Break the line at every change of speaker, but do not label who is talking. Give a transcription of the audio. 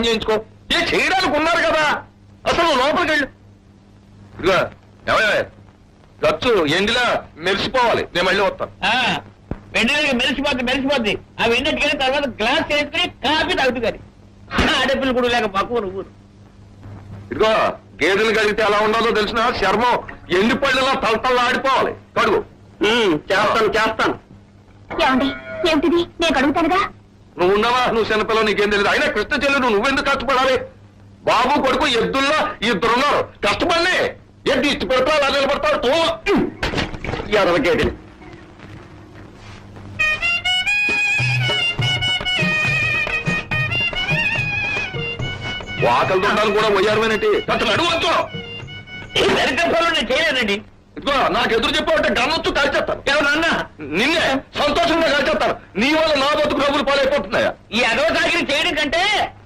చేయించుకో. ఏ చేయడానికి ఉన్నారు కదా, అసలు లోపలికి వెళ్ళు. ఇదిగా ఏమయ్యా, ఖర్చు ఎండిలా మెరిసిపోవాలి. నేను మళ్ళీ వస్తాను.
వెంటనే మెరిసిపోద్ది. ఆ వెన్నట్టుగానే తర్వాత గ్లాస్ చేసుకుని కాఫీ తాగుతూ కానీ ఆడపిల్లలు కూడా లేక పక్కువ నువ్వు.
ఇదిగో గేదెలు కడిగితే ఎలా ఉండాలో తెలిసిన చర్మం ఎండి పళ్ళలా తలతల్లా ఆడిపోవాలి. కడుగు. చేస్తాను.
ఏమండి, ఏమిటిది? నేను కడుగుతానుగా.
నువ్వు ఉన్నావా? నువ్వు చిన్నపిల్లలు, నీకేం తెలియదు. అయినా కృష్ణ చెల్లెలు నువ్వెందుకు కష్టపడాలి? బాబు కొడుకు ఎద్దుల్లో ఇద్దరున్నారు. కష్టపడి ఎద్దు ఇచ్చి పెడతావు, అలా నిలబడతావు. ఎదవకేది వాకలు దొండాలు కూడా పోయారుమేనంటి. అసలు అడుగుతో
నేను చేయలేదండి.
ఇదిగో నాకు ఎదురు చెప్పావంటే గన్నొచ్చు కాల్చేస్తాను. ఏమన్నా నిన్నే సంతోషంగా కాల్చేస్తాను. నీ వల్ల నా బతుకు డబ్బులు పాలైపోతున్నాయా?
ఈ అదవ సాగిరి చేయడం కంటే